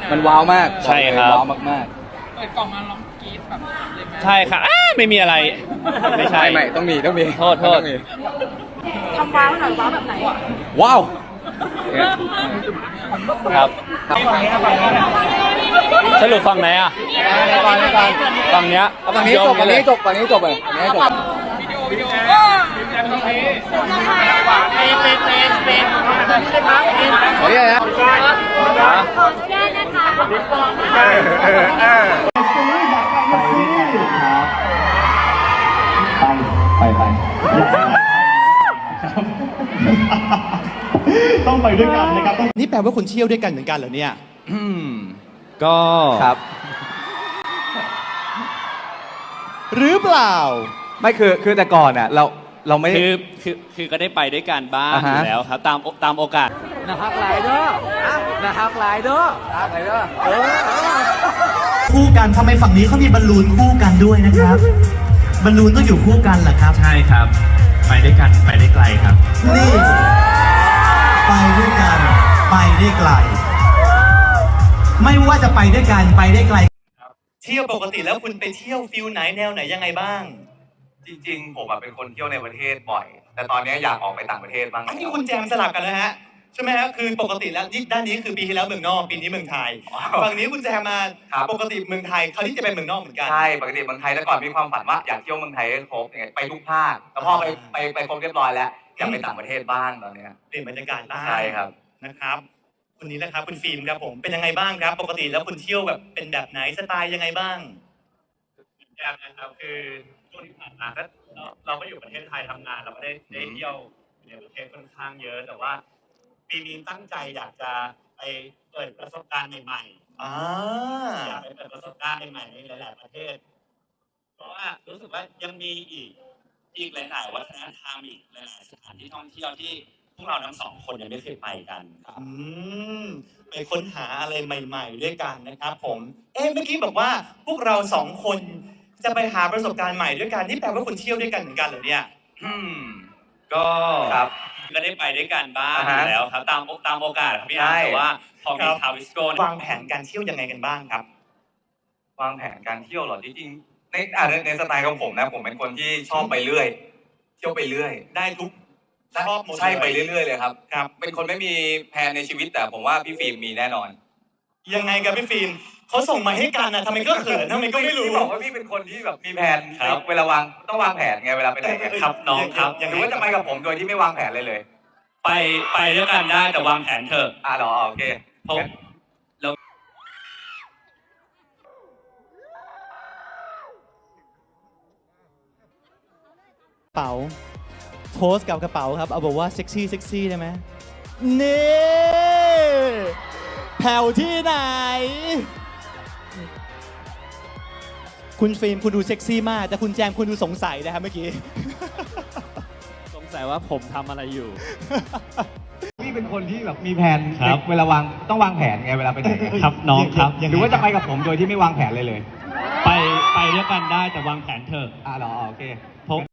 มันว้าวมากใช่ครับว้าวมากเปิดกล่องมาร้องกรี๊ดแบบเลยไหมใช่ค่ะไม่มีอะไร ไม่ๆใช่ไม่ต้องมีต้องมีโทษต้องมีทำว้าวหน่อยว้าวแบบไหนว้าวครับสรุปฝั่งไหนอ่ะก่อนก่อนฝั่งเนี้ยฝั่งนี้จบฝั่งนี้จบฝั่งนี้จบเลยฝั่งนี้จบวิดีโอแต่ตรงนี้เป็นนะครับขออนุญาตนะไปต้องไปด้วยกันนะครับนี่แปลว่าคุณเที่ยวด้วยกันเหมือนกันเหรอเนี่ยก็ครับหรือเปล่าไม่คือแต่ก่อนอ่ะเราไม่ได้คือก็ได้ไปด้วยกันบ้างอ่าอฮะยู่แล้วครับตามโอกาสนะครับหลายเด้อนะครับหลายเด้อหลายเด้อคู่กันทำไมฝั่งนี้เขามีบอลลูนคู่กันด้วยนะครับบอลลูนต้องอยู่คู่กันเหรอครับใช่ครับ ไปด้วยกันไปได้ไกลครับนี่ไปด้วยกันไปได้ไกล ไม่ว่าจะไปด้วยกันไปได้ไกลเที่ยวปกติแล้วคุณไปเที่ยวฟิลไหนแนวไหนยังไงบ้างจริงๆ ผมเป็นคนเที่ยวในประเทศบ่อย แต่ตอนนี้อยากออกไปต่างประเทศบ้างอันนี้คุณแจมสลับกันแล้วฮะใช่ไหมฮะคือปกติแล้วด้านนี้คือปีที่แล้วเมืองนอกปีนี้เมืองไทยฝั่งนี้คุณแจมมาปกติเมืองไทยคราวนี้จะเป็นเมืองนอกเหมือนกันใช่ ปกติเมืองไทยแต่ก่อนมีความฝันว่าอยากเที่ยวเมืองไทยให้ครบอย่างเงี้ยไปทุกภาคแต่พอไปครบเรียบร้อยแล้วอยากไปต่างประเทศบ้างตอนเนี้ยเปลี่ยนบรรยากาศบ้างใช่ครับนะครับคนนี้นะครับคุณฟิล์มครับผมเป็นยังไงบ้างครับ ปกติแล้วคุณเที่ยวแบบเป็นแบบไหนสไตล์ยังไงบ้างยากนะครับคือช่วงที่ผ่านมาก็เราก็อยู่ประเทศไทยทำงานเราก็ได้เที่ยวในประเทศค่อนข้างเยอะ แต่ว่าปีนี้ตั้งใจอยากจะไปเปิดประสบการณ์ใหม่ๆอยากไปเปิดประสบการณ์ใหม่ๆในหลายๆประเทศ เพราะว่ารู้สึกว่ายังมีอีกหลายๆวัฒนธรรมอีกหลายๆสถานที่ท่องเที่ยวที่พวกเราทั้งสองคนยังไม่เคยไปกันไปค้นหาอะไรใหม่ ๆ ด้วยกันนะครับผมเมื่อกี้บอกว่าพวกเราสองคนจะไปหาประสบการณ์ใหม่ด้วยกันนี่แปลว่าคุณเที่ยวด้วยกันเหมือนกันเหรอเนี่ยก็ครับก็ได้ไปด้วยกันบ้างอ่าอฮะยู่แล้วครับตามโอกาสครับพี่อาร์ตใช่แต่ว่าพอมีครับทาวิสโกวางแผนการเที่ยวยังไงกันบ้างครับวางแผนการเที่ยวเหรอจริงๆในสไตล์ของผมนะผมเป็นคนที่ชอบไปเรื่อย เที่ยวไปเรื่อยได้ทุกชอบหมดเลยใช่ไปเรื่อยๆเลยครับครับเป็นคนไม่มีแผนในชีวิตแต่ผมว่าพี่ฟิล์มมีแน่นอนยังไงกับพี่ฟิล์มเขาส่งมาให้กันนะทำไมก็เขินทำไมก็ไม่รู้พี่บอกว่าพี่เป็นคนที่แบบมีแผนเวลาวางต้องวางแผนไงเวลาไปไหนไงครับน้องครับหรือว่าจะไปกับผมโดยที่ไม่วางแผนเลยไปด้วยกันได้แต่วางแผนเถอะเหรอโอเคเพราะเรากระเป๋าโพสกับกระเป๋าครับเอาบอกว่าเซ็กซี่ได้ไหมนี่แผ่วที่ไหน คุณฟิล์มคุณดูเซ็กซี่มาก แต่คุณแจมคุณดูสงสัยนะครับเมื่อกี้สงสัยว่าผมทำอะไรอยู่พี่เป็นคนที่แบบมีแผนครับเวลาวางต้องวางแผนไงเวลาไปไหนครับน้องครับหรือว่าจะไปกับผมโดยที่ไม่วางแผนเลยไปด้วยกันได้แต่วางแผนเถอะเหรอโอเคเพราะ